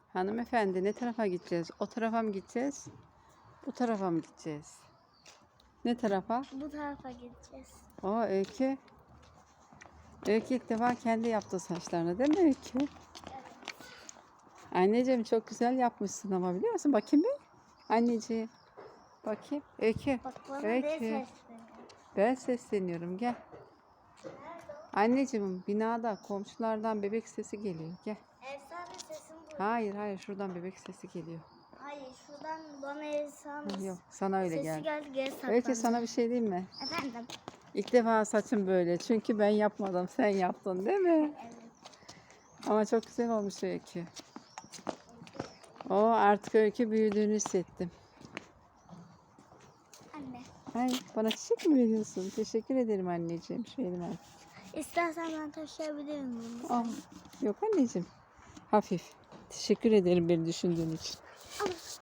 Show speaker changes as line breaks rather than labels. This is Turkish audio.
Hanımefendi ne tarafa gideceğiz? O tarafa mı gideceğiz? Bu tarafa mı gideceğiz? Ne tarafa?
Bu tarafa gideceğiz.
O Öykü. Öykü ilk defa kendi yaptı saçlarını değil mi Öykü?
Evet.
Anneciğim çok güzel yapmışsın ama biliyor musun? Bakayım bir. Anneciğim. Bakayım. Öykü.
Bak bana
Öykü.
ne sesleniyor.
Ben sesleniyorum gel. Anneciğim binada komşulardan bebek sesi geliyor. Gel.
Efsane sesim bu.
Hayır hayır, şuradan bebek sesi geliyor.
Hayır şuradan bana efsane
Yok sana öyle
sesi
geldi.
geldi geri saklandı.
Öykü sana bir şey diyeyim mi?
Efendim.
İlk defa saçım böyle. Çünkü ben yapmadım. Sen yaptın değil mi?
Evet.
Ama çok güzel olmuş Öykü. O artık Öykü büyüdüğünü hissettim.
Anne.
Ay bana çiçek mi veriyorsun? Teşekkür ederim anneciğim. Şu elime al.
İstersen ben taşıyabilir miyim?
Al. Yok anneciğim. Hafif. Teşekkür ederim beni düşündüğün için.
Al.